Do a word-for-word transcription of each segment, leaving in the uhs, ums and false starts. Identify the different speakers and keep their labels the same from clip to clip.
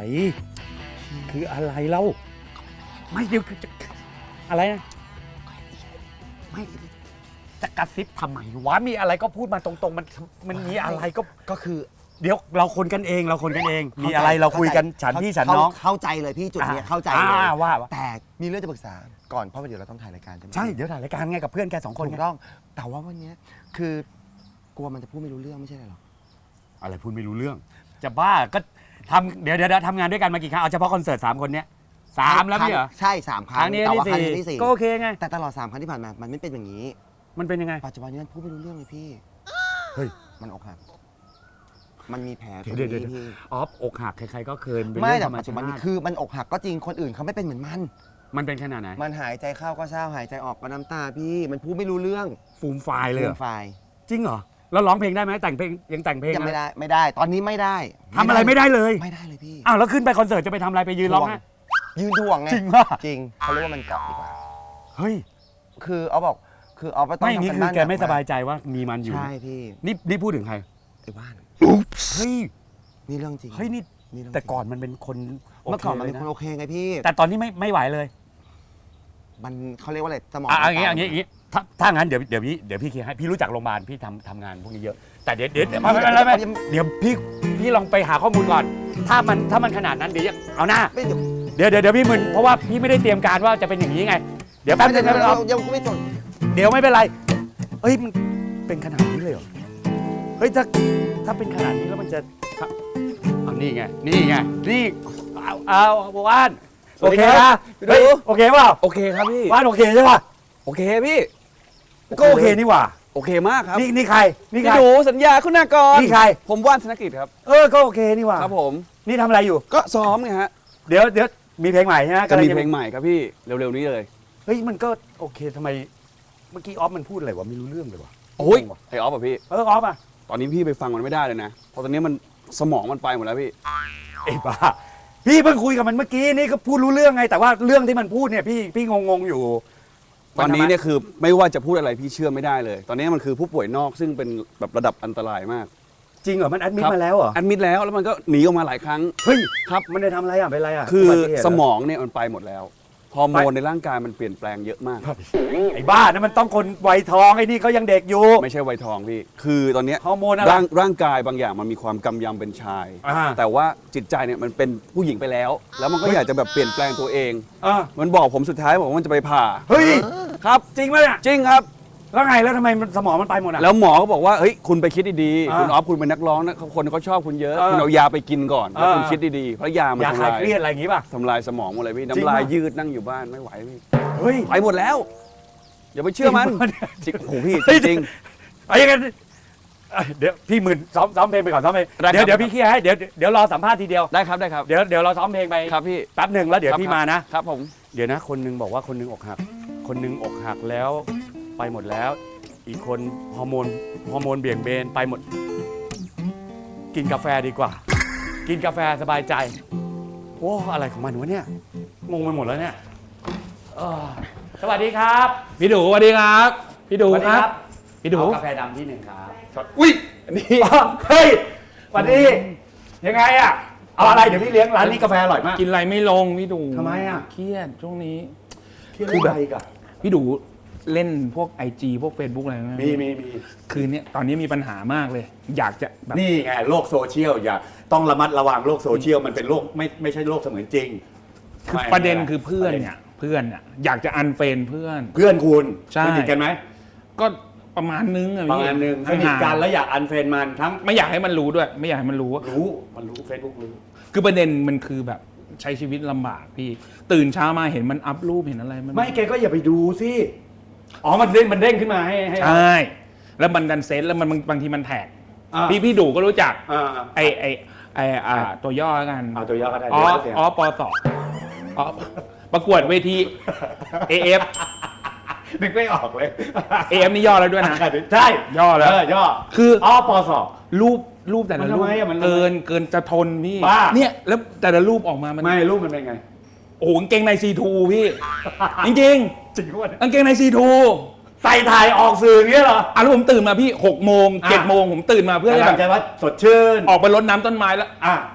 Speaker 1: คืออะไรเล่าไม่เดี๋ยวจะอะไรนะไม่จะกระซิบทำไมวะมีอะไรก็พูดมาตรงๆมันมันมีอะไรก็
Speaker 2: ก็คือ
Speaker 1: เดี๋ยวเราคนกันเองเราคนกันเองมีอะไรเราคุยกันฉันพี่ฉันน้อง
Speaker 2: เข้าใจเลยพี่จุดนี้เข้าใจเลย
Speaker 1: ว่า
Speaker 2: แต่มีเรื่องจะปรึกษาก่อนเพราะว่าเดี๋ยวเราต้องถ่ายรายการใช่ไหม
Speaker 1: ใช่เดี๋ยวถ่ายรายการไงกับเพื่อนแกสองคน
Speaker 2: ถูกต้องแต่ว่าวันนี้คือกลัวมันจะพูดไม่รู้เรื่องไม่ใช่หรอ
Speaker 1: อะไรพูดไม่รู้เรื่องจะบ้าก็ทำเดี๋ยวเดี๋ยวทำงานด้วยกันมากี่ครั้งเอาเฉพาะคอนเสิร์ตสามคนเนี้ยสามแล้วพี่เหรอ
Speaker 2: ใช่สามครั้ง
Speaker 1: แต่ว่าครั้งที่สี่ก็โอเคไง
Speaker 2: แต่ตลอดสามครั้งที่ผ่านมามันไม่เป็นอย่างนี้
Speaker 1: มันเป็นยังไง
Speaker 2: ปัจจุบันนี้มันพูดไม่รู้เรื่องเลยพี่
Speaker 1: เฮ้ย
Speaker 2: มันอกหักมันมีแผล
Speaker 1: เดี๋ยวเดี๋ยวออฟอกหักใครๆก็เคย
Speaker 2: ไม่แต่ปัจจุบันนี้คือมันอกหักก็จริงคนอื่นเขาไม่เป็นเหมือนมัน
Speaker 1: มันเป็นขนาดไหน
Speaker 2: มันหายใจเข้าก็เศร้าหายใจออกก็น้ำตาพี่มันพูดไม่รู้เรื่อง
Speaker 1: ฟูมไฟเลย
Speaker 2: ฟูมไฟ
Speaker 1: จริงเหรอแล้วร้องเพลงได้ไหมแต่งเพลงยังแต่งเพลง
Speaker 2: ยังไม่ได้ไม่ได้ตอนนี้ไม่ได้
Speaker 1: ทำอะไรไม่ได้เลย
Speaker 2: ไม่ได้เลยพี่
Speaker 1: อ้าวแล้วขึ้นไปคอนเสิร์ตจะไปทำอะไรไปยืนร้องไห้
Speaker 2: ยืนถ่วงไง
Speaker 1: จริงป่ะ
Speaker 2: จริงเขาเรียกว่ามันเกาะดีกว่า
Speaker 1: เฮ้ย
Speaker 2: คือเอาบอกคือเอาไปต้อง
Speaker 1: ไม่นี่คือแกไม่สบายใจว่ามีมันอยู่
Speaker 2: ใช่พี่
Speaker 1: นี่นี่พูดถึงใคร
Speaker 2: ไอ้บ้าน
Speaker 1: เฮ้ย
Speaker 2: นี่เรื่องจริง
Speaker 1: เฮ้ยนี่แต่ก่อนมันเป็นคน
Speaker 2: เมื่อก่อนมันเป็นคนโอเคไงพี่
Speaker 1: แต่ตอนนี้ไม่ไม่ไหวเลย
Speaker 2: มันเขาเรียกว่าอะไรสมอง
Speaker 1: อ่ะอย่างงี้อย่างงี้อย่างงี้ถ้าถ้างั้นเดี๋ยวเดี๋ยวพี่เดี๋ยวพี่เคลียร์ให้พี่รู้จักโรงพยาบาลพี่ทำทำงานพวกนี้เยอะแต่เดี๋ยวเดี๋ยวไม่ไม่ไม่เดี๋ยวพี่พี่ลองไปหาข้อมูลก่อนถ้ามันถ้ามันขนาดนั้นเดี๋ยวเอาหน้าเดี๋ยวเดี๋ยวเดี๋ยวพี่มึนเพราะว่าพี่ไม่ได้เตรียมการว่าจะเป็นอย่างนี้ไงเดี๋ยวแป๊บนึงนะเรา
Speaker 2: ยังไม่จบ
Speaker 1: เดี๋ยวไม่เป็นไรเอ้ยมันเป็นขนาดนี้เลยเหรอเฮ้ยถ้าถ้าเป็นขนาดนี้แล้วมันจะเอานี่ไงนี่ไงนี่เอาเอาว่านโอเคนะโอเคเปล่า
Speaker 3: โอเคครับพี่
Speaker 1: ว่านโอเคใช่ป่ะ
Speaker 3: โอเคพี่
Speaker 1: ก็โอเคนี่หว่า
Speaker 3: โอเคมากครับ
Speaker 1: นี่นี่ใครนี่ใคร
Speaker 3: พี่ดูสัญญาคุณากร
Speaker 1: นี่ใคร
Speaker 3: ผมว่านธนกิจครับ
Speaker 1: เออก็โอเคนี่หว่า
Speaker 3: ครับผม
Speaker 1: นี่ทำอะไรอยู่
Speaker 3: ก็ซ้อมไงฮะ
Speaker 1: เดี๋ยวเดี๋ยวมีเพลงใหม่ใช่ไหม
Speaker 3: จะมีเพลงใหม่ครับพี่เร็วๆนี้เลย
Speaker 1: เฮ้ยมันก็โอเคทำไมเมื่อกี้ออฟมันพูดอะไรวะไม่รู้เรื่องเลยวะ
Speaker 3: โอ้ยไอออฟอ่ะพี่
Speaker 1: เออออฟอ่ะ
Speaker 3: ตอนนี้พี่ไปฟังมันไม่ได้เลยนะเพราะตอนนี้มันสมองมันไปหมดแล้วพี่
Speaker 1: เอ้บ้าพี่เพิ่งคุยกับมันเมื่อกี้นี่ก็พูดรู้เรื่องไงแต่ว่าเรื่องที่มันพูดเนี่ยพี่พี่งงๆอยู่
Speaker 3: ตอนนี้เนี่ยคือไม่ว่าจะพูดอะไรพี่เชื่อไม่ได้เลย ตอนนี้มันคือผู้ป่วยนอกซึ่งเป็นแบบระดับอันตรายมาก
Speaker 1: จริงเหรอมันแอดมิดมาแล้วเหรอ
Speaker 3: แอดมิดแล้วแล้วมันก็หนีออกมาหลายครั้ง
Speaker 1: เฮ้ยครับมันได้ทำอะไรอ่ะเป็นอะไรอ่ะ
Speaker 3: คือสมองเนี่ยมันไปหมดแล้วฮอร์โมนในร่างกายมันเปลี่ยนแปลงเยอะมาก
Speaker 1: ไอ้บ้านั่นมันต้องคนวัยทองไอ้นี่เขายังเด็กอยู่
Speaker 3: ไม่ใช่วัยทองพี่คือตอนนี้
Speaker 1: ฮอร์โมนอะไร
Speaker 3: ร่างร่างกายบางอย่างมันมีความกำยำเป็นชายแต่ว่าจิตใจเนี่ยมันเป็นผู้หญิงไปแล้วแล้วมันก็อยากจะแบบเปลี่ยนแปลงตัวเองมันบอกผมสุดท้ายบอกว่ามันจะไปผ่า
Speaker 1: เฮ้ย
Speaker 3: ครับ
Speaker 1: จริงไหมเนี่ย
Speaker 3: จริงครับ
Speaker 1: แล้วไงแล้วทำไมสมองมันไปหมดอ่ะ
Speaker 3: แล้วหมอก็บอกว่าเฮ้ยคุณไปคิดดีๆคุณออฟคุณเป็นนักร้องนะคนเขาชอบคุณเยอะคุณเอายาไปกินก่อนแล้วคุณคิดดีๆเพราะยามัน
Speaker 1: ทำลายเครียดอะไรอย่างงี้ป่ะ
Speaker 3: ทำลายสมองหมดเลยพี่น้ำลายยืดนั่งอยู่บ้านไม่ไหวพี่
Speaker 1: เฮ้ย
Speaker 3: ไปหมดแล้วอย่าไปเชื่อมันจริงโอ้โหพี่จริง
Speaker 1: ไอ้ยังเดี๋ยวพี่หมื่นซ้อมซ้อมเพลงไปก่อนซ้อมเพลงเดี๋ยวเดี๋ยวพี่เคลียร์ให้เดี๋ยวเดี๋ยวรอสัมภาษณ์ทีเดียว
Speaker 3: ได้ครับได้ครับ
Speaker 1: เดี๋ยวเดี๋ยวเราซ้อมเพลงไป
Speaker 3: ครับพี่
Speaker 1: แป๊บหนึ่งแล้วเดี๋ยวพี่มานะครับ
Speaker 3: ผม
Speaker 1: เดี๋ยวนะคนนึงบอกว่าคนนึงอกหักคนนึงอกหักแล้วไปหมดแล้วอีกคนฮอร์โมนฮอร์โมนเบี่ยงเบนไปหมดกินกาแฟดีกว่ากินกาแฟสบายใจโอ้อะไรของมันวะเนี่ยงงไปหมดแล้วเนี่ยสวัสดีครับ
Speaker 3: พี่ดูสวัสดีครับพี่ดูครับพี่ดู
Speaker 1: กาแฟดำที่หนึ่งครับ
Speaker 3: อุ้ยนี่
Speaker 1: เฮ้ยสวัสดียังไงอ่ะเอาอะไรเดี๋ยวพี่เลี้ยงร้านนี้กาแฟอร่อยมาก
Speaker 3: กินอะไรไม่ลงพี่ดู
Speaker 1: ทำไมอ่ะ
Speaker 3: เครียดช่วงนี้
Speaker 1: คือแบบ
Speaker 3: พี่ดูเล่นพวก ไอ จี พวก Facebook อะไรไหม
Speaker 1: มีมีมี
Speaker 3: คือเนี้ยตอนนี้มีปัญหามากเลยอยากจะแบบ
Speaker 1: นี่ไงโลกโซเชียลอย่าต้องระมัดระวังโลกโซเชียลมันเป็นโลกไม่ไม่ใช่โลกเสมือนจริง
Speaker 3: คือประเด็นคือเพื่อนเนี่ยเพื่อนเนี่ยอยากจะอันเฟรนเพื่อน
Speaker 1: เพื่อนคุณ
Speaker 3: ส
Speaker 1: นิทกันไหม
Speaker 3: ก็ประมาณนึงอะ
Speaker 1: ประมาณนึงสนิทกันแล้วอยากอันเฟรนมันทั้ง
Speaker 3: ไม่อยากให้มันรู้ด้วยไม่อยากให้มันรู้
Speaker 1: รู้มันรู้เฟซบุ๊กรู้
Speaker 3: คือประเด็นมันคือแบบใช้ชีวิตลำบากพี่ตื่นเช้ามาเห็นมันอัพรูปเห็นอะไรมัน
Speaker 1: ไม่แกก็อย่าไปดูสิอ๋อมันเด้งมันเด้งขึ้นมาให้ให้
Speaker 3: ใช่แล้วมันดันเซตแล้วมันบางทีมันแท็กพี่พี่ดูก็รู้จักไอไอไออ่าตัวย่อกัน
Speaker 1: เอาตัวย่อก็ได้
Speaker 3: อ๋ออ๋อปสอ๋อประกวดเวที เอ เอฟ
Speaker 1: นึกไม่ออกเลย
Speaker 3: เอ เอฟ นี่ย่อแล้วด้วยนะ
Speaker 1: ใช่
Speaker 3: ย่อแล้ว
Speaker 1: ย่อ
Speaker 3: คือ
Speaker 1: อ๋อปส
Speaker 3: รูปรูปแต่ละรูปเกินเกินจะทนพี่เนี่ยแล้วแต่ละรูปออกมามัน
Speaker 1: ไม่รูปมันเป็นไง
Speaker 3: โอ้กางเกงใน ซี ทู พี่จริงจริง
Speaker 1: จริงด้วย
Speaker 3: กางเกงใน ซี ทู
Speaker 1: ใส่ถ่ายออกสื่ออย่างเงี้ยเหรอ
Speaker 3: อ่ะแล้วผมตื่นมาพี่หกโมงเจ็ดโมงผมตื่นมาเพื่อ
Speaker 1: จะแบบว่าสดชื่น
Speaker 3: ออกไปรดน้ำต้นไม้แล้ว
Speaker 1: อ่ะ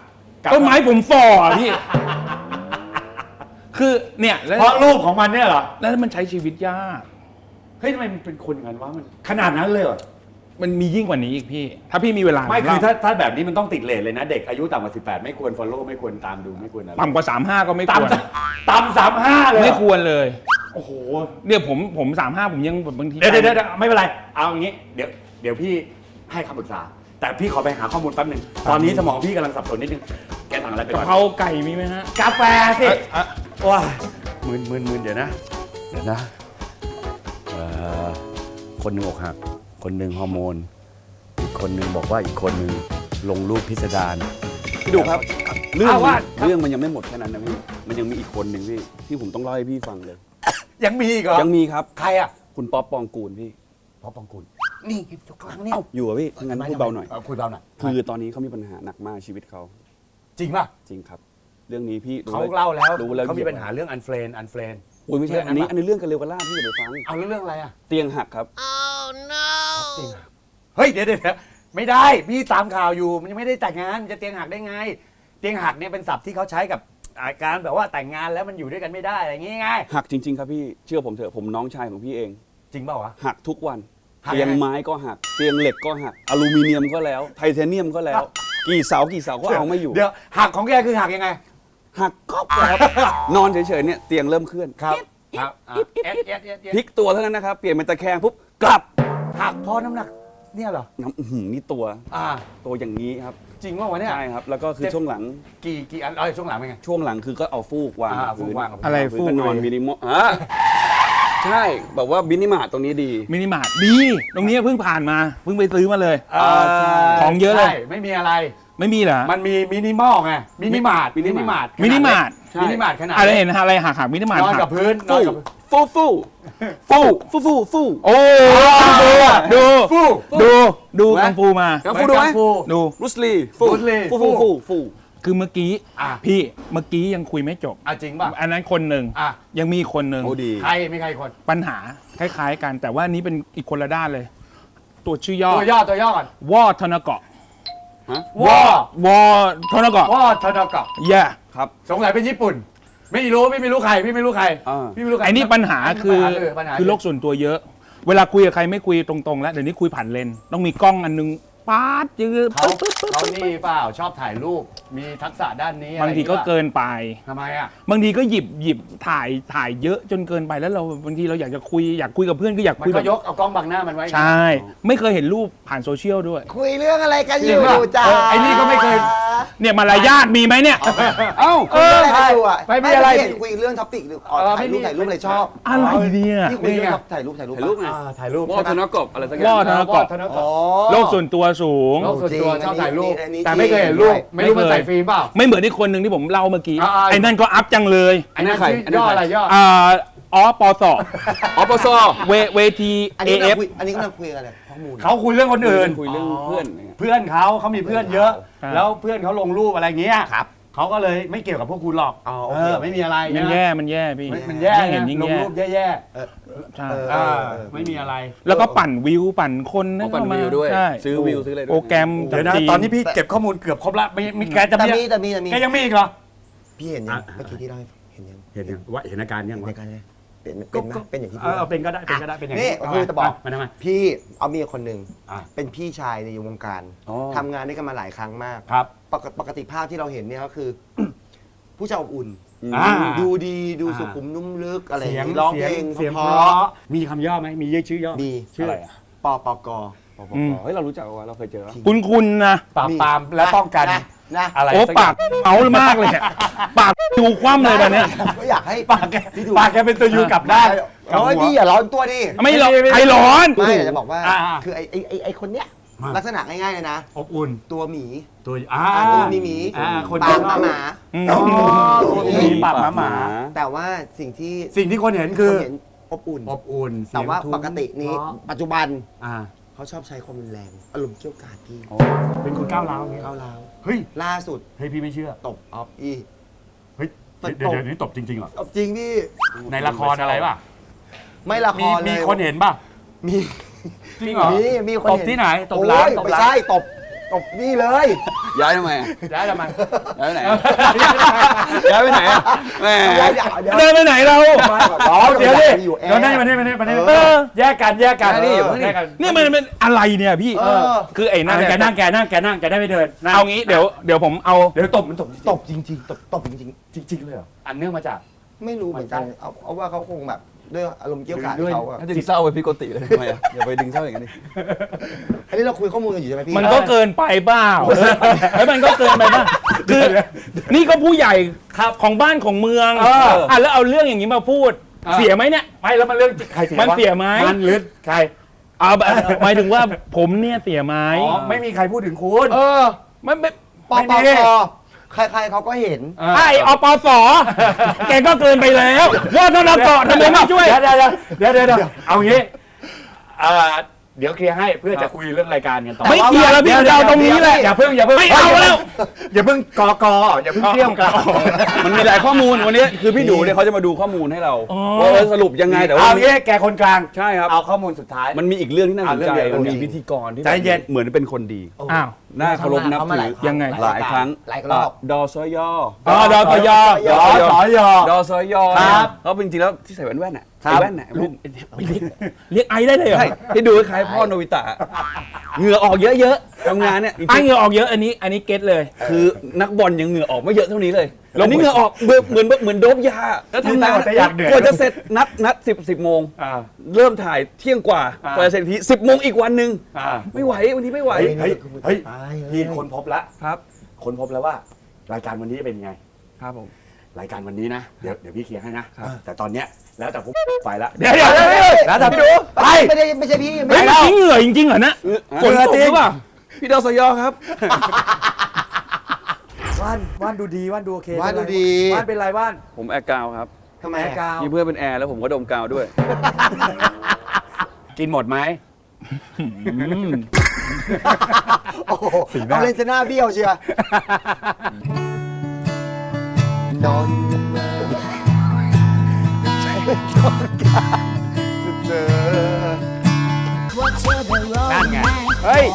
Speaker 4: ต้นไม้ผมฝ่อพี่ คือเนี่ยแล้ว
Speaker 1: เพราะรูปของมันเนี่ยเหรอ
Speaker 4: แล้วมันใช้ชีวิตยาก
Speaker 1: เฮ้ยทำไมมันเป็นคนอย่างนั้นวะมันขนาดนั้นเลยเหรอ
Speaker 4: มันมียิ่งกว่านี้อีกพี่ ถ้าพี่มีเวลา
Speaker 1: ไม่
Speaker 4: ผ
Speaker 1: คือ
Speaker 4: เล่
Speaker 1: ถ้าถ้าแบบนี้มันต้องติดเลทเลยนะ เด็กอายุต่ำกว่าสิบแปดไม่ควร follow ไม่ควรตามดูไม่ควรอะไร
Speaker 4: ต่ำกว่าสามห้าก็ไม่ควร
Speaker 1: ต่ำต่ำสามห้าเลย
Speaker 4: ไม่ควรเลย
Speaker 1: โอ้โห
Speaker 4: เนี่ยผมผมสามห้าผมยังแบบบางที
Speaker 1: เดี๋ยวเดี๋ยวเดี๋ยวไม่เป็นไร เอาอย่างนี้ เดี๋ยวเดี๋ยวพี่ให้คำปรึกษา แต่พี่ขอไปหาข้อมูลแป๊บนึง ตอนนี้สมองพี่กำลังสับสนนิดนึง แกสั่งอะไรไป
Speaker 4: กะ
Speaker 1: ก่อน
Speaker 4: เพราไก่มีไหมฮะ
Speaker 1: กาแฟสิ
Speaker 4: เอ่อเอ่อ
Speaker 1: ว้ามืนมืนมืนเดี๋ยวนะ เดี๋ยวนะเอ่อคนหนึ่งอกหัก คนหนึ่งฮอร์โมน อีกคนหนึ่งบอกว่าอีกคนหนึ่งลงรูปพิสดาร
Speaker 3: พี่ดูครับ เรื่อง
Speaker 1: เอา
Speaker 3: มั
Speaker 1: ว่า
Speaker 3: นเรื่องมันยังไม่หมดแค่นั้นนะพี่มันยังมีอีกคนหนึ่งพี่ที่ผมต้องเล่าให้พี่ฟังเลย
Speaker 1: ยังมีอีกเหรอ
Speaker 3: ยังมีครับ
Speaker 1: ใครอ่ะ
Speaker 3: คุณป๊อปปองกูลพี่
Speaker 1: พ่อปองกุลนี่อยู่ข้างหลังนี่
Speaker 3: เอ้าอยู่อะพี่งั้นพูดเบาหน่อย
Speaker 1: คุยเบาหน่อย
Speaker 3: คือตอนนี้เขามีปัญหาหนักมากชีวิตเขา
Speaker 1: จริงป่ะ
Speaker 3: จริงครับ เรื่องนี้พี่
Speaker 1: เขาเล่าแล้ว
Speaker 3: รู้แล้ว
Speaker 1: เขามีปัญหาเรื่องอันเฟรนอันเฟรน
Speaker 3: โอ้ยไม่ใช่อันนี้อันนี้เรื่องกันเร็วกันล่าพี่อย่าไปฟัง
Speaker 1: เอาเรื่องอะไรอ่ะ
Speaker 3: เตียงหักครับ
Speaker 1: จริงเฮ้ยเดี๋ยวเดี๋ยวไม่ได้พี่ตามข่าวอยู่มันยังไม่ได้แต่งงานจะเตียงหักได้ไง เตียงหักเนี่ยเป็นศัพท์ที่เขาใช้กับอาการแบบว่าแต่งงานแล้วมันอยู่ด้วยกันไม่ได้อะไรอย่างงี้ไง
Speaker 3: หักจริง ๆ ครับพี่เชื่อผมเถอะผมน้องชายของพี่เอง
Speaker 1: จริงเปล่าวะ
Speaker 3: หักทุกวัน
Speaker 1: หัก
Speaker 3: เตียง
Speaker 1: ยังไง
Speaker 3: ไม้ก็หักเตียงเหล็กก็หักอลูมิเนียมก็แล้วไทเทเนียมก็แล้ว กี่เสากี่เสาก็เอาไม่อยู่
Speaker 1: เดี๋ยวหักของแกคือหักยังไง
Speaker 3: หักก๊อบเลยครับ นอนเฉยๆเนี่ยเตียงเริ่มเคลื่อน
Speaker 1: ครับครับอ่ะเอ็ดเอ็ดเอ็ดเอ็ด
Speaker 3: พลิกตัวเท่านั้นนะครับเปลี่ยนเป็นตะแคงปุ๊บกลับ
Speaker 1: หักเพราะน้ำหนักเนี่ยเหรอ
Speaker 3: น้ำอื้อหือนี่ตัว
Speaker 1: อ่า
Speaker 3: ตัวอย่างนี้ครับ
Speaker 1: จริงว่าวะเนี่ย
Speaker 3: ใช่ครับแล้วก็คือ
Speaker 1: เจ็บ
Speaker 3: ช่วงหลัง
Speaker 1: กี่กี่อันเอ้ยช่วงหลังเป็นไง
Speaker 3: ช่วงหลังคือก็เอาฟูกวาง
Speaker 1: อ่า
Speaker 3: กับพื้น
Speaker 1: ฟูกวางกับพื้น
Speaker 4: อะไร
Speaker 3: พื้
Speaker 4: ฟู
Speaker 3: น
Speaker 4: ก
Speaker 3: ก็นอน
Speaker 4: เลย
Speaker 3: มินิมอลอ่ะใช่แบบว่าบินิมาร์ตตรงนี้ดี
Speaker 4: มินิมาร์ทดี ตรงนี้เพิ่งผ่านมา เพิ่งไปซื้อมาเลย
Speaker 1: เอ่อ
Speaker 4: ของเยอะเลย
Speaker 1: ใช่ไม่มีอะไร
Speaker 4: ไม่มีเหรอ
Speaker 1: มันมีมินิมอลไงมินิมาร์ท
Speaker 3: มินิมาร์ท
Speaker 4: มินิมาร์ท
Speaker 3: ใช่
Speaker 1: มินิมาร์ทขนาด
Speaker 4: อะไร
Speaker 1: เล็ก
Speaker 4: เห็นอะไรหักหักมินิมาร์ท
Speaker 1: นอน
Speaker 4: หั
Speaker 1: กับ
Speaker 4: ก
Speaker 1: พื้นนอ
Speaker 3: ฟู
Speaker 1: นกับ
Speaker 3: ฟูฟูฟูฟูฟูฟู
Speaker 4: โอ้ดู
Speaker 1: ฟู
Speaker 4: ดูดู
Speaker 1: ไหม
Speaker 4: กังฟูมา
Speaker 3: กังฟูดูไหม
Speaker 1: กังฟู
Speaker 4: ดู
Speaker 3: บรูสลีฟู
Speaker 1: บรูซลี
Speaker 3: ฟูฟูฟูฟู
Speaker 4: คือเมื่อกี้
Speaker 1: อ่ะ
Speaker 4: พี่เมื่อกี้ยังคุยไม่จบ
Speaker 1: อ่ะจริงป่ะ
Speaker 4: อันนั้นคนหนึ่ง
Speaker 1: อ่ะ
Speaker 4: ยังมีคนหนึ่ง
Speaker 3: โอ้ดี
Speaker 1: ใครมีใครคน
Speaker 4: ปัญหาคล้ายๆกัน แต่ว่านี้เป็นอีกคนละด้านเลย ตัวชื่อย่อ
Speaker 1: ตัวย่อตัวย่อก่อน
Speaker 4: วอธนเกาะ
Speaker 3: ฮะ
Speaker 1: วอ
Speaker 4: วอธนเกาะ
Speaker 1: วอทนกะ
Speaker 4: แย่
Speaker 3: ครับ
Speaker 1: สงสัยเป็นญี่ปุ่น ไม่รู้ไม่ไม่รู้ใครพี่ไม่รู้ใคร
Speaker 3: อ่า
Speaker 1: พี่ไม่รู้ใคร
Speaker 4: ไอ้นี่ปัญหาคือ
Speaker 1: ปัญหปัญหา
Speaker 4: คือโลกส่วนตัวเยอะ เวลาคุยกับใครไม่คุยตรงๆ แล้วเดี๋ยวนี้คุยผ่านเลนส์ต้องมีกล้องอันนึงป๊าดยืด
Speaker 1: เขาเขานี่เปล่าชอบถ่ายรูปมีทักษะด้านนี้อะไร
Speaker 4: บางทีก็
Speaker 1: อย่
Speaker 4: เกินไป
Speaker 1: ทำไมอ่ะ
Speaker 4: บางทีก็หยิบหยิบถ่ายถ่ายเยอะจนเกินไปแล้วเราบางทีเราอยากจะคุยอยากคุยกับเพื่อนก็อยาก
Speaker 1: มัน
Speaker 4: คุย
Speaker 1: ก็
Speaker 4: แบบ
Speaker 1: ยกเอากล้องบังหน้ามันไว้
Speaker 4: ใช่ ไม่เคยเห็นรูปผ่านโซเชียลด้วย
Speaker 2: คุยเรื่องอะไรกันอ
Speaker 1: จริ
Speaker 2: ยู่
Speaker 1: งป่ะ
Speaker 2: จ้า
Speaker 1: เออไอ้นี่ก็ไม่เคย
Speaker 4: เนี่ยมารยาทมีไหมเนี่ย
Speaker 3: เอ้า
Speaker 2: คุยเรื่องอะไรกันอยู่อ่ะ
Speaker 1: ไม่มีอะไร
Speaker 2: เห็นคุยเรื่องท็อปิกหรืออ๋อ
Speaker 1: เออ
Speaker 2: ถ่ายรูป
Speaker 1: ไม่มี
Speaker 2: ถ่ายรูปอะไรชอบ
Speaker 4: อะไรเนี่ย
Speaker 2: ที่คุยเรื่องถ่ายรูปถ่ายรูป
Speaker 3: ถ่ายรูปไง
Speaker 1: อ่าถ่ายรูป
Speaker 3: วอทนกบอะไรสักอย่าว
Speaker 4: อง ธนเกาะ
Speaker 1: ธน
Speaker 2: อ๋
Speaker 1: กะ
Speaker 2: อ
Speaker 4: โลกส่วนตัวสูง
Speaker 1: โลกส่วนตัว
Speaker 2: จริง
Speaker 1: ชอบถ่ายรูป
Speaker 2: อันนี้
Speaker 1: แต่ไม่เคยเห็นรูป
Speaker 2: ไม่
Speaker 1: ไม่รู้มัน
Speaker 4: เคย
Speaker 1: ใส่ฟิล์มเปล่า
Speaker 4: ไม่เหมือนที่คนหนึ่งที่ผมเล่าเมื่อกี้
Speaker 1: อ่าๆ
Speaker 4: ไอ้นั่นก็อัพจังเลย
Speaker 1: ไอ้นั่น
Speaker 3: ใคร
Speaker 1: ชื่
Speaker 3: อันนั้น
Speaker 1: ย่อ
Speaker 3: ใคร
Speaker 1: อะไรย่อ
Speaker 4: อ่าอ๋อปส
Speaker 3: อปซ
Speaker 4: เวเวที
Speaker 2: อัน
Speaker 4: เอ
Speaker 2: นี้
Speaker 4: เอ
Speaker 2: เรา
Speaker 4: ฟ
Speaker 2: คุยอันนี้กำลังคุยกันอะไรข้อมูล
Speaker 1: เขาคุยเรื่องคนอื่น
Speaker 3: คุยเรื่องเพื่อน
Speaker 1: เพื่อนเขาเขามีเพื่อนเยอะ
Speaker 4: ครับ
Speaker 1: แล้วเพื่อนเขาลงรูปอะไรเงี้ย
Speaker 2: ครับ
Speaker 1: เขาก็เลยไม่เกี่ยวกับพวกคุณหรอก
Speaker 2: อ๋อโอ
Speaker 1: เอ
Speaker 2: เค
Speaker 1: อไม่มีอะไร
Speaker 4: มัน
Speaker 1: นะ
Speaker 4: แย่มันแย่พี่
Speaker 1: มันมันแย่
Speaker 4: ยิ่งเห็น
Speaker 1: นะ
Speaker 4: ยิ่ง
Speaker 1: ลง
Speaker 4: แย่
Speaker 1: รูปแย่
Speaker 4: ใช่
Speaker 2: เออ
Speaker 1: ๆอ่าไม่มีอะไร
Speaker 4: แล้วก็ปั่นวิวปั่นคน
Speaker 3: เขา
Speaker 4: นะ
Speaker 3: ปั่น
Speaker 4: เข้ามา
Speaker 3: วิวด้วย
Speaker 4: ใช่
Speaker 3: ซื้อวิวซื้ออะไรด้วย
Speaker 4: โปรแกรม
Speaker 1: เดี๋ยวนะ
Speaker 4: จากจี
Speaker 1: ตอนนี้พี่เก็บข้อมูลเกือบครบละมีมีแกจะ
Speaker 2: แต่
Speaker 1: มี
Speaker 2: มีแต่มีแต่มี
Speaker 1: แกยังมีอีกเหรอ
Speaker 2: พี่เห็นยัง
Speaker 1: อ่ะ
Speaker 2: เมื่อกี้ที่เล่าให้เห็นยัง
Speaker 1: เห็นยังว่าเห็นอาการยัง
Speaker 2: ใน
Speaker 1: วะ
Speaker 2: การเนี่ยเป็นเป็นไหมเป็นอย่างที่
Speaker 1: เอ
Speaker 2: พี่
Speaker 1: อเอาเป็นก็ได้เป็นก็ได้เป็นอย่าง
Speaker 2: นี่คือจะบอก
Speaker 1: มันทำไม
Speaker 2: พี่เอามีคนหนึ่ง
Speaker 1: อ่ะ
Speaker 2: เป็นพี่ชายในวงการ
Speaker 3: อ๋อ
Speaker 2: ทำงานด้วยกันมาหลายครั้งมาก
Speaker 1: ครับ
Speaker 2: ปกปกติภาพที่เราเห็นเนี่ยก็คือ ผู้ชายอบอุ่น
Speaker 1: อ่า
Speaker 2: ดูดีดู
Speaker 1: อ่า
Speaker 2: สุขุมนุ่มลึกอะไรอ
Speaker 1: เสีย
Speaker 2: ย่าง งนี้ร้องเพลง
Speaker 1: เสียง
Speaker 2: เพ
Speaker 1: เพ
Speaker 2: ราะ
Speaker 1: ราะมีคำย่อไหมมีชื่อย่อ
Speaker 2: มี
Speaker 1: ชื่ออะไร
Speaker 2: ปปก
Speaker 3: ปปกเฮ้ยเรารู้จักว่าเราเคยเจอ
Speaker 4: คุณคุณนะ
Speaker 1: ปราบปรามและป้องกัน
Speaker 2: นะนะ
Speaker 1: อะไร
Speaker 4: โอ้
Speaker 1: สั
Speaker 4: ปากเมาส์มากเลยอะปากดูคว่ำเลยตอนเนี้ย
Speaker 2: ก็อยากให้
Speaker 1: ปากแก
Speaker 2: พี่ดู
Speaker 1: ปากแกเป็นตัวยูกลับได้าน
Speaker 2: โอ้ยพี่อย่าร้อนตัวดิ
Speaker 4: ไม่หรอก
Speaker 1: ไม่ไม่
Speaker 4: ใครร้อน
Speaker 2: ไม่แต่จะบอกว่า
Speaker 1: อ่า
Speaker 2: คือไอ้ไอ้ไอ้ไอ้คนเนี้ย
Speaker 1: มา
Speaker 2: ลักษณะง่ายๆเลยนะ
Speaker 1: อบอุ่น
Speaker 2: ตัวหมี
Speaker 1: ตัวอ่า
Speaker 2: อ่าตัวมีหมี
Speaker 1: อ่าคน
Speaker 2: ปากหมาหมา
Speaker 4: อืม
Speaker 1: อ๋อ
Speaker 2: ตัวหมี
Speaker 1: มีปากหมาหมา
Speaker 2: แต่ว่าสิ่งที่
Speaker 1: สิ่งที่คนเห็น
Speaker 2: ค
Speaker 1: คือน
Speaker 2: เห็นอบอุ่น
Speaker 1: อบอุ่น
Speaker 2: แต่ว่า
Speaker 1: เสียงทุ้ม
Speaker 2: ปกตินี้
Speaker 1: เพราะ
Speaker 2: ปัจจุบัน
Speaker 1: อ่า
Speaker 2: เขาชอบใช้ความรุนแรง อารมณ์เกี่ยวกาดพี่
Speaker 1: เป็นคนก้าวร้าวอย่างเงี้ย
Speaker 2: เข้าแล้ว
Speaker 1: เฮ้ย
Speaker 2: ล่าสุด
Speaker 1: เฮ้ยพี่ไม่เชื่อ
Speaker 2: ตบออฟอี
Speaker 1: เฮ้ย
Speaker 2: ตบ
Speaker 1: เดี๋ยวเดี๋ยวนี้ตบจริงๆเหรอ
Speaker 2: ตบจริงพี่
Speaker 1: ในละครอะไรป่ะ
Speaker 2: ไม่ละค
Speaker 1: มี
Speaker 2: รเลย
Speaker 1: มีคนเห็นป่ะ
Speaker 2: มี
Speaker 1: จริงเหรอ
Speaker 2: มีมีคน
Speaker 1: ตบ
Speaker 2: เห็น
Speaker 1: ที่ไหนตบร้าน
Speaker 2: โอ้ย
Speaker 1: ตบ
Speaker 2: ไม่
Speaker 1: ร้าน
Speaker 2: ใช่ตบตตบนี่เลย
Speaker 3: ย้ายทำไมอะ
Speaker 1: ย้ายทำไม
Speaker 3: ย้ายไปไหนอะย้ายไปไหนอะแหม
Speaker 2: เดี๋ยวเดี๋ยวเดี๋ยว
Speaker 4: เดินไปไหนเรา
Speaker 1: อ๋อเดี๋ยวดิ
Speaker 2: อยู่แอร์
Speaker 1: เดี๋ยวนั่นมานี่มานี่มานี่
Speaker 2: เออ
Speaker 1: แยกกันแยกกัน
Speaker 3: แยกดิอย่าเพิ่งดิ
Speaker 1: แยกกัน
Speaker 4: นี่มันเป็นอะไรเนี่ยพี่
Speaker 2: เออ
Speaker 4: คือไอ้นั่น
Speaker 1: แก
Speaker 4: เนี่ย
Speaker 1: นั่งแกนั่งแกนั่งแกได้ไม่เดินนั่ง
Speaker 4: เอางี้เดี๋ยวเดี๋ยวผมเอา
Speaker 1: เดี๋ยวตบมันตบ
Speaker 2: ตบจริงๆตบตบจริง
Speaker 1: จริงๆเลยเหรออันเนื่องมาจาก
Speaker 2: ๆ ไม่รู้เหมือนกันเอาเอาว่าเขาคงแบบด้วยอารมณ์เกี่ยวกาด
Speaker 1: ด้วย
Speaker 2: เขาอะ
Speaker 3: ถ้าดึงเศร้าไปพี่โกติเลยทำไมอะอย่าไปดึงเศร้าอย่างนี้นดิ
Speaker 2: อันนี้เราคุยข้อมูลกันอยู่ใช่ไหมพี่
Speaker 4: มันก็เกินไปเปล่าแล้วมันก็เกินไปป่ะคือนี่ก็ผู้ใหญ่ครับของบ้านของเมือง
Speaker 1: เออ
Speaker 4: อ่ะแล้วเอาเรื่องอย่างนี้มาพูด
Speaker 1: เออ
Speaker 4: เสียไหมเนี่ย
Speaker 1: ไม่แล้วมันเรื่องใครเสีย
Speaker 4: มัน
Speaker 1: วะ
Speaker 4: เสียไหม
Speaker 1: มันหรือใคร
Speaker 4: เอาแบบหมายถึงว่าผมเนี่ยเสียไหม
Speaker 1: อ๋อไม่มีใครพูดถึงคุณ
Speaker 2: เออ
Speaker 4: มันไม่
Speaker 2: ปอ
Speaker 1: ไม่
Speaker 2: ปอ
Speaker 1: มี
Speaker 2: ปอใครๆเขาก็เห็น
Speaker 4: ไอ้อปสแกก็เกินไปแล้วว่าทนเกาะทำไมไม่ช่วย
Speaker 1: เดี๋ยวเดี๋ยวเดี๋ยวเดี๋ยวเดี๋ยวเอางี้เอ่อเดี๋ยวเคลียร์ให้เพื่อจะคุยเรื่องรายการกันต่อ
Speaker 4: ไม่เคลียร์แล้วพี่จะเอาตรงนี้แหละ
Speaker 1: อย่าเพิ่งอย่าเพิ่ง
Speaker 4: ไม่เอาแล้ว
Speaker 1: อย่าเพิ่งกอกออย่าเพิ่งเที่ยงกัน
Speaker 3: มันมีหลายข้อมูลวันนี้คือพี่ดูเนี่ยเขาจะมาดูข้อมูลให้เรา
Speaker 4: อ๋อ
Speaker 3: ว่าเออสรุปยังไงแต่ว่า
Speaker 1: เอางี้แกคนกลาง
Speaker 3: ใช่ครับ
Speaker 1: เอาข้อมูลสุดท้าย
Speaker 3: มันมีอีกเรื่องที่น่าสน
Speaker 1: อ่ะเรื่
Speaker 3: ใจ
Speaker 1: องเดียว
Speaker 3: มันมี
Speaker 1: เรื่อง
Speaker 3: พิธีกรที่
Speaker 1: ใจเย็น
Speaker 3: เหมือนเป็นคนดี
Speaker 4: อ้าว
Speaker 3: น่าเคารพนับถือ
Speaker 4: ยังไง
Speaker 3: หลายครั้ง
Speaker 2: หลายรอบ
Speaker 3: ดอซอยอ
Speaker 4: อ๋อดตย
Speaker 1: ยอสอยอ
Speaker 3: ดอซอยอ
Speaker 1: ครับ
Speaker 3: เขาเป็นจริงๆแล้วที่ใส่แว่นแว่นๆน่ะ
Speaker 1: ครับ
Speaker 3: ใส่แว่นน่ะแว่น
Speaker 4: เรียกไอได้เลยเหรอ
Speaker 3: ใช่ที่ดูคล้ายๆพ่อโนบิตะเหงื่อออกเยอะๆทำงานเนี่ยจริง
Speaker 4: ไอเหงื่อออกเยอะอันนี้อันนี้เก็ตเลย
Speaker 3: ๆคือนักบอลยังเหงื่อออกไม่เยอะเท่านี้เลย
Speaker 4: ลง
Speaker 3: อันนี้เหงื่อออกเหมือนเหมือนเหมือนโดบยาแล้วทำงาน
Speaker 1: แต่อยากเหนื่อย
Speaker 3: กว่าจะเสร็จนัดนัดสิบสิบโมง
Speaker 1: อ่า
Speaker 3: เริ่มถ่ายเที่ยงกว่า
Speaker 1: อ่า
Speaker 3: กว่าจะเสร็จทีสิบโมงอีกวันหนึ่ง
Speaker 1: อ่า
Speaker 3: ไม่ไหววันนี้ไม่ไหว
Speaker 1: เฮ้ยเฮ้ยเฮ้ย
Speaker 2: พี่
Speaker 1: พี่คนพบแล้ว
Speaker 3: ครับ
Speaker 1: คนพบแล้วว่า รายการวันนี้เป็นยังไง
Speaker 3: ครับผม
Speaker 1: รายการวันนี้นะ เดี๋ยวเดี๋ยวพี่เคลียร์ให้นะ แต่ตอนเนี้ยแล้วแต่ผมไปละ
Speaker 4: เดี๋ยวเดี๋ยวเดี๋ยวเดี๋ยว
Speaker 1: แล้วแต่พี่ดูไป
Speaker 2: ไม่ได้ไม่ใช่พี่
Speaker 4: เฮ้ย
Speaker 2: ไม่
Speaker 4: เมื่อกี้เหงื่อจริงๆเหรอนะฝนตกหรือเปล่า
Speaker 3: พี่ดอสยอครับ
Speaker 1: ว่านว่านดูดีว่านดูโอเค
Speaker 2: ว่านดูดี
Speaker 1: ว่านเป็นไรว่าน
Speaker 3: ผมแอร์กาวครับ
Speaker 2: ทำไม
Speaker 1: แอ
Speaker 2: อะ
Speaker 1: ร์กาว
Speaker 3: มีเพื่อนเป็นแอร์แล้วผมก็ดมกาวด้วย
Speaker 1: กินหมดไหม
Speaker 2: โอ้โหเอาเลนส์หน้าเบี้ยวเชียว นอนมาใช่ต้องการเจอ
Speaker 1: นั่นไงเฮ้ย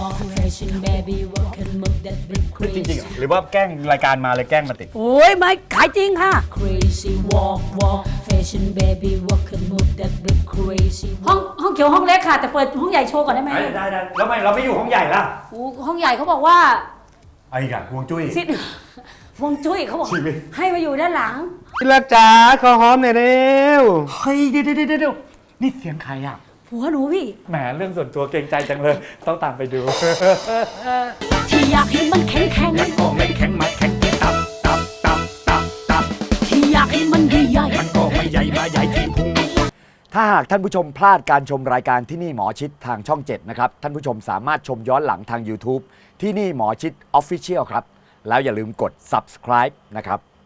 Speaker 1: จริงๆเหรอหรือว่าแกล้งรายการมาเลยแกล้งมาติด
Speaker 5: โอ้ยไม่ขายจริงค่ะ
Speaker 6: Crazy walk walk fashion baby walk and move that big crazy
Speaker 5: ห้องห้องเขียวห้องเล็กค่ะ แต่เปิดห้องใหญ่โชว์ก่อนได้ไหม
Speaker 1: ได้ได้ได้แล้วทำไมเราไม่อยู่ห้องใหญ่ล่ะ
Speaker 5: โอ้ห้องใหญ่เขาบอกว่า
Speaker 1: ไอ้กันห่วงจุ้ย
Speaker 5: ซิดฮวงจุ้ยเขาบอก
Speaker 1: ชีวิต
Speaker 5: ให้มาอยู่ด้านหลัง
Speaker 4: พี่รักจ๋าขอหอมหน่อยเร็ว
Speaker 1: เฮ้ยเดี๋ยวเดี๋ยวเดี๋ยวนี่เสียงใครอ่ะ
Speaker 5: ผัวหนูพี่
Speaker 1: แหมเรื่องส่วนตัวเกรงใจจังเลย ต้องตามไปดู
Speaker 6: ที่อยากให้มันแข็งแข็ง
Speaker 1: มันก็ไม่แข็งมาแข็งที่ตับตับตับตับตับ
Speaker 6: ที่อยากให้มันใหญ่ๆ
Speaker 1: มันก็ไม่ใหญ่มาใหญ่ที่พุง
Speaker 7: ถ้าหากท่านผู้ชมพลาดการชมรายการที่นี่หมอชิดทางช่อง เจ็ด นะครับ ท่านผู้ชมสามารถชมย้อนหลังทาง YouTube ที่นี่หมอชิด Official ครับ แล้วอย่าลืมกด Subscribe นะครับ